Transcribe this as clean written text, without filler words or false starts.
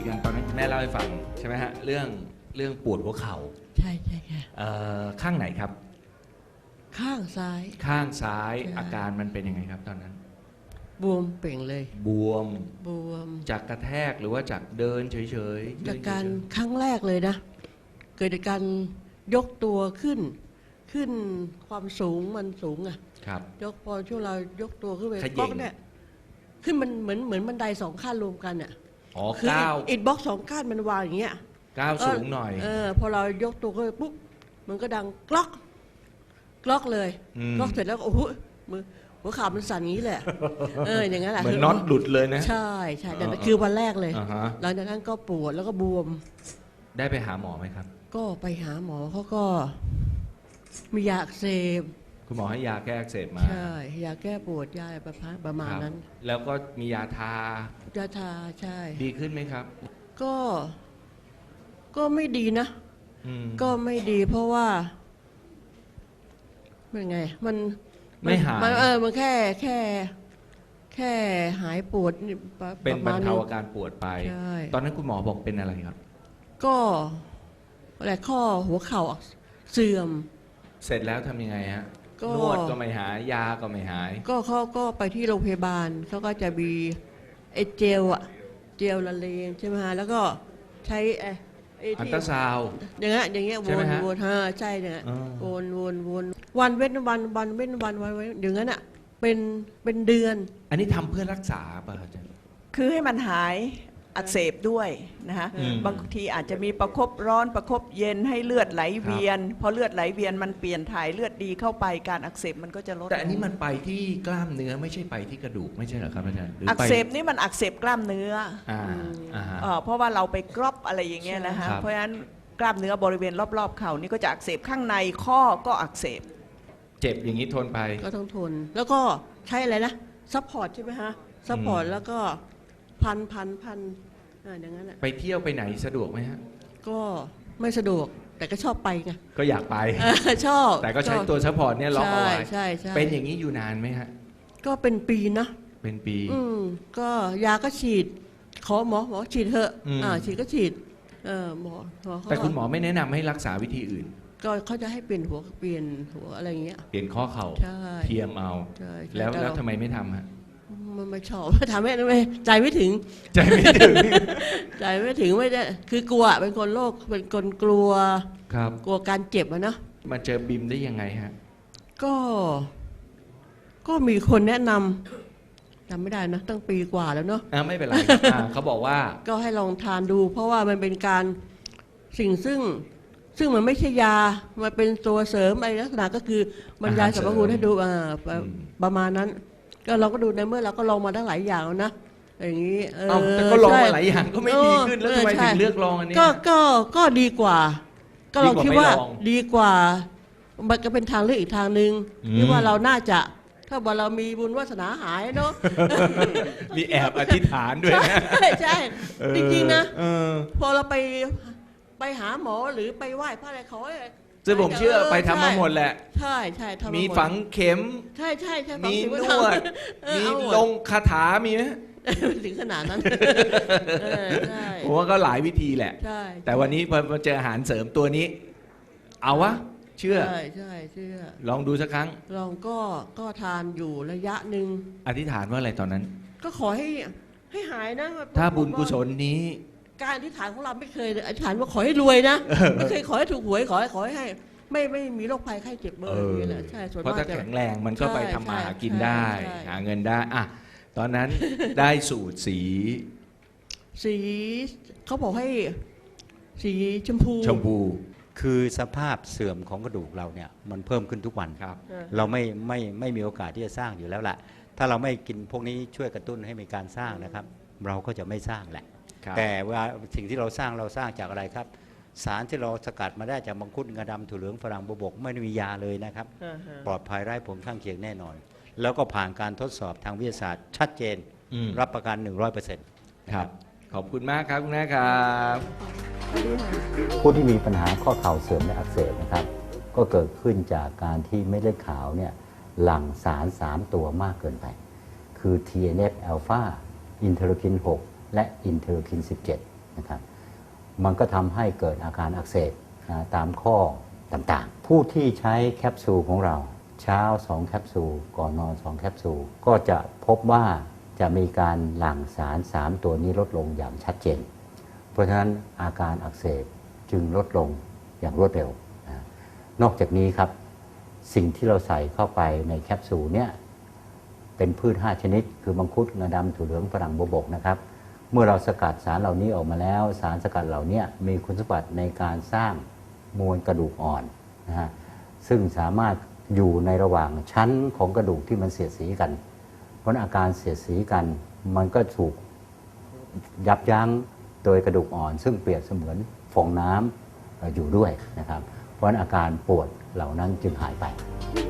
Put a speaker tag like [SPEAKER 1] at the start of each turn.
[SPEAKER 1] กันตอนนั้นคุณแม่เล่าให้ฟังใช่ไหมฮะเรื่องปวดหัวเข่า
[SPEAKER 2] ใช่ใช่ค่ะ
[SPEAKER 1] ข้างไหนครับ
[SPEAKER 2] ข้างซ้าย
[SPEAKER 1] ข้างซ้าย
[SPEAKER 2] ใช่
[SPEAKER 1] อาการมันเป็นยังไงครับตอนนั้น
[SPEAKER 2] บวมเป่งเลย
[SPEAKER 1] บวม
[SPEAKER 2] บวม
[SPEAKER 1] จากกระแทกหรือว่าจากเดินเฉยๆ
[SPEAKER 2] จากการครั้งแรกเลยนะ เกิดจากการยกตัวขึ้นความสูงมันสูงอะ
[SPEAKER 1] ครับ
[SPEAKER 2] ยกพอช่วงเรายกตัวขึ้นไป
[SPEAKER 1] ขย่ง
[SPEAKER 2] บล็อกเนี่ยขึ้นมันเหมือนบันไดสองขั้นรวมกันอะ
[SPEAKER 1] อ๋อ
[SPEAKER 2] คือ
[SPEAKER 1] ก้าว
[SPEAKER 2] อิฐบล็อกสองขั้นมันวางอย่างเงี้ย
[SPEAKER 1] ก้าวสูงหน่อย
[SPEAKER 2] พอเรายกตัวขึ้นไปปุ๊บมันก็ดังกล็อกเลย
[SPEAKER 1] ม
[SPEAKER 2] กล็อกเสร็จแล้วก็โอ้โหมือหัวเข่ามันสั่นอย่างนี้แหละ อย่างนั้นแหละ
[SPEAKER 1] เหมือนน็อตหลุดเลยนะ
[SPEAKER 2] ใช่แต่นั่นคือวันแรกเลย
[SPEAKER 1] อ่าฮะ
[SPEAKER 2] หลังจากนั้นก็ปวดแล้วก็บวม
[SPEAKER 1] ได้ไปหาหมอไหมครับ
[SPEAKER 2] ก็ไปหาหมอเขาก็มียาอักเสบ
[SPEAKER 1] คุณหมอให้ยาแก้อักเสบมา
[SPEAKER 2] ใช่ยาแก้ปวดยาประมาณ
[SPEAKER 1] ครับ
[SPEAKER 2] นั้น
[SPEAKER 1] แล้วก็มียาทา
[SPEAKER 2] ยาทาใช่
[SPEAKER 1] ดีขึ้นไหมครับ
[SPEAKER 2] ก็ไม่ดีนะ
[SPEAKER 1] อืม
[SPEAKER 2] ก็ไม่ดีเพราะว่าเป็นไง
[SPEAKER 1] ไม่หาย
[SPEAKER 2] มันแค่หายปวด
[SPEAKER 1] เป็นบรรเทา
[SPEAKER 2] ประมณ
[SPEAKER 1] อาการปวดไป
[SPEAKER 2] ใช่
[SPEAKER 1] ตอนนั้นคุณหมอบอกเป็นอะไรครับ
[SPEAKER 2] ก็อะไรข้อหัวเข่าเสื่อม
[SPEAKER 1] เสร็จแล้วทำยังไงฮะ
[SPEAKER 2] ก็
[SPEAKER 1] นวดก็ไม่หาย ยาก็ไม่หาย
[SPEAKER 2] ก็เขาก็ไปที่โรงพยาบาลเขาก็จะมีไอ้เจลละเลงใช่ไหมฮะแล้วก็ใช้ไอ้
[SPEAKER 1] อัน
[SPEAKER 2] ที่
[SPEAKER 1] ตราซาวด์
[SPEAKER 2] อย่างเงี้ย
[SPEAKER 1] ใช่ไหมฮะ
[SPEAKER 2] วนใช่เนี่ย
[SPEAKER 1] อ๋อ
[SPEAKER 2] วนวันเว้นวันเว้นวันอย่างนั้นอ่ะเป็นเดือน
[SPEAKER 1] อันนี้ทำเพื่อรักษาป่ะอาจารย์
[SPEAKER 3] คือให้มันหายอักเสบด้วยนะคะ
[SPEAKER 1] อืม
[SPEAKER 3] บางทีอาจจะมีประคบร้อนประคบเย็นให้เลือดไหลเวียน พอเลือดไหลเวียนมันเปลี่ยนถ่ายเลือดดีเข้าไปการอักเสบมันก็จะลด
[SPEAKER 1] แต่อันนี้มันไปที่กล้ามเนื้อไม่ใช่ไปที่กระดูกไม่ใช่เหรอครับอาจารย์หรื
[SPEAKER 3] อัก
[SPEAKER 1] ไป
[SPEAKER 3] เสบนี่มันอักเสบกล้ามเนื้อ
[SPEAKER 1] อ่าฮะ
[SPEAKER 3] เพราะว่าเราไปกรอบอะไรอย่างเงี้ยนะคะ
[SPEAKER 1] ครับ
[SPEAKER 3] เพราะฉะนั้นกล้ามเนื้อบริเวณรอบๆเข่านี่ก็จะอักเสบข้างในข้อก็อักเสบ
[SPEAKER 1] เจ็บอย่างนี้ทนไป
[SPEAKER 2] ก็ต้องทน แล้วก็ใช้อะไรนะซัพพอร์ตใช่ไหมฮะซัพพอร์ตแล้วก็พันอย่างนั้นแหละ
[SPEAKER 1] ไปเที่ยวไปไหนสะดวกไหมฮะ
[SPEAKER 2] ก็ไม่สะดวกแต่ก็ชอบไปไง
[SPEAKER 1] ก็อยากไป
[SPEAKER 2] ชอบ
[SPEAKER 1] แต่ก็ใช้ตัวซัพพอร์ตเนี่ยล็อกเอาไว้
[SPEAKER 2] ใช่
[SPEAKER 1] เป็นอย่างนี้อยู่นานไหมฮะ
[SPEAKER 2] ก็เป็นปีนะ
[SPEAKER 1] เป็นปี
[SPEAKER 2] ก็ยาก็ฉีดขอหมอฉีดเถอะ
[SPEAKER 1] อืม
[SPEAKER 2] ฉีดก็ฉีดหมอเขา
[SPEAKER 1] แต่คุณหมอไม่แนะนำให้รักษาวิธีอื่น
[SPEAKER 2] ก็เขาจะให้เปลี่ยนหัวอะไรอย่างเงี้ย
[SPEAKER 1] เปลี่ยนข้อเข่า
[SPEAKER 2] ใช่
[SPEAKER 1] เทียมเอา
[SPEAKER 2] ใช่
[SPEAKER 1] แล้ว
[SPEAKER 2] ต่
[SPEAKER 1] แล้ว
[SPEAKER 2] เรา
[SPEAKER 1] ทำไมไม่ทำฮะ
[SPEAKER 2] มันไม่ชอบ ทำไม่ใจไม่ถึง
[SPEAKER 1] ใจไม่ถึง
[SPEAKER 2] ใจไม่ถึงไม่ได้คือกลัวเป็นคนโรคเป็นคนกลัว
[SPEAKER 1] ครับ
[SPEAKER 2] กลัวการเจ็บอะนะ
[SPEAKER 1] มาเจอบิมได้ยังไงฮะ
[SPEAKER 2] ก็มีคนแนะนำจำไม่ได้นะตั้งปีกว่าแล้วเนาะ
[SPEAKER 1] ไม่เป็นไรครับเขาบอกว่า
[SPEAKER 2] ก็ให้ลองทานดู เพราะว่ามันเป็นการสิ่งซึ่งมันไม่ใช่ยา มันเป็นตัวเสริมอะไรลักษณะก็คือบรรยายสรรพคุณให้ดูประมาณนั้น ก็เราก็ดูในเมื่อเราก็ลองมาตั้งหลายอย่างแล้วนะอย่างนี้
[SPEAKER 1] แต่ก็ลองมา
[SPEAKER 2] ใช่
[SPEAKER 1] หลายอย่างก็ไม่ดีขึ้นแล้วทำไม
[SPEAKER 2] ใช่
[SPEAKER 1] ถึงเลือกลองอันนี้
[SPEAKER 2] ก็ดีกว่า ก็เราคิดว่า
[SPEAKER 1] ดีกว่าไม่ลอง
[SPEAKER 2] ดีกว่า มันก็เป็นทางเลือกอีกทางหนึ่ง
[SPEAKER 1] อืม
[SPEAKER 2] ที่ว่าเราน่าจะถ้าว่าเรามีบุญวาสนาหายเนาะ
[SPEAKER 1] มีแอบอธิษฐานด้วยนะ
[SPEAKER 2] ใช่จริงๆนะ
[SPEAKER 1] เออ
[SPEAKER 2] พอเราไปหาหมอหรือไปไหว้พระอะไรเขา
[SPEAKER 1] ซึ่งผมเชื่อไปทำมาหมดแหละ
[SPEAKER 2] ใช่ทำาหด
[SPEAKER 1] มีฝังเข็ม
[SPEAKER 2] ใช่ฝัง
[SPEAKER 1] มี
[SPEAKER 2] เข็
[SPEAKER 1] นวด มี
[SPEAKER 2] เอาหมด
[SPEAKER 1] ลงคาถามีไหม
[SPEAKER 2] ถึงขนาดนั้นใช่
[SPEAKER 1] ผมว่าก็หลายวิธีแหละ
[SPEAKER 2] ใช่
[SPEAKER 1] แต่วันนี้พอเจออาหารเสริมตัวนี้ เอาวะ เชื่อ
[SPEAKER 2] ใช่เชื่อ
[SPEAKER 1] ลองดูสักครั้ง
[SPEAKER 2] ลองก็ทานอยู่ระยะหนึ่ง
[SPEAKER 1] อธิษฐานว่าอะไรตอนนั้น
[SPEAKER 2] ก็ขอให้หายนะ
[SPEAKER 1] ถ้าบุญกุศลนี้
[SPEAKER 2] การอธิษฐานของเราไม่เคยอธิษฐานว่าขอให้รวยนะไม่เคยขอให้ถูกหวยขอให้ไม่มีโรคภัยไข้เจ็บเบอร์อย่างนี้แหละใช่ส่วนาก
[SPEAKER 1] เพราะถ้ามแข็งแรงมันก็ไปทำมาหากิน
[SPEAKER 2] ใช่
[SPEAKER 1] ได้
[SPEAKER 2] ใช่
[SPEAKER 1] หาเงินได้อะตอนนั้นได้สูตรสี
[SPEAKER 2] สีเขาบอกให้สีชมพู
[SPEAKER 1] ชมพู
[SPEAKER 4] คือสภาพเสื่อมของกระดูกเราเนี่ยมันเพิ่มขึ้นทุกวัน
[SPEAKER 1] ครับ
[SPEAKER 4] เราไม่มีโอกาสที่จะสร้างอยู่แล้วแหละถ้าเราไม่กินพวกนี้ช่วยกระตุ้นให้มีการสร้างนะครับ เราก็จะไม่สร้างแหละ
[SPEAKER 1] ครับ
[SPEAKER 4] แต่ว่าสิ่งที่เราสร้างจากอะไรครับ สารที่เราสกัดมาได้จากมังคุดงาดำถั่วเหลืองฝรั่งบัวบกไม่ได้มียาเลยนะครับ ปลอดภัยไร้ผลข้างเคียงแน่นอน แล้วก็ผ่านการทดสอบทางวิทยาศาสตร์ชัดเจน
[SPEAKER 1] อืม
[SPEAKER 4] รับประกัน 100%
[SPEAKER 1] ครับ ขอบคุณมากครับคุณแม่ครับ
[SPEAKER 4] ผู้ที่มีปัญหาข้อเข่าเสื่อมและอักเสบนะครับ ก็เกิดขึ้นจากการที่เม็ดเลือดขาวเนี่ยหลั่งสาร 3 ตัวมากเกินไป คือ TNF อ l p h a อินเทอร์คิน 6 และอินเทอร์คิน 17 นะครับมันก็ทำให้เกิดอาการอักเสบตามข้อต่างๆผู้ที่ใช้แคปซูลของเราเช้า2แคปซูลก่อนนอน2แคปซูลก็จะพบว่าจะมีการหลั่งสาร3ตัวนี้ลดลงอย่างชัดเจนเพราะฉะนั้นอาการอักเสบจึงลดลงอย่างรวดเร็วนอกจากนี้ครับสิ่งที่เราใส่เข้าไปในแคปซูลเนี่ยเป็นพืช5ชนิดคือมังคุดงาดำถั่วเหลืองฝรั่งบัวบกนะครับเมื่อเราสกัดสารเหล่านี้ออกมาแล้วสารสกัดเหล่านี้มีคุณสมบัติในการสร้างมวลกระดูกอ่อนนะฮะซึ่งสามารถอยู่ในระหว่างชั้นของกระดูกที่มันเสียดสีกันเพราะอาการเสียดสีกันมันก็ถูกยับยั้งโดยกระดูกอ่อนซึ่งเปรียบเสมือนฟองน้ำอยู่ด้วยนะครับเพราะอาการปวดเหล่านั้นจึงหายไป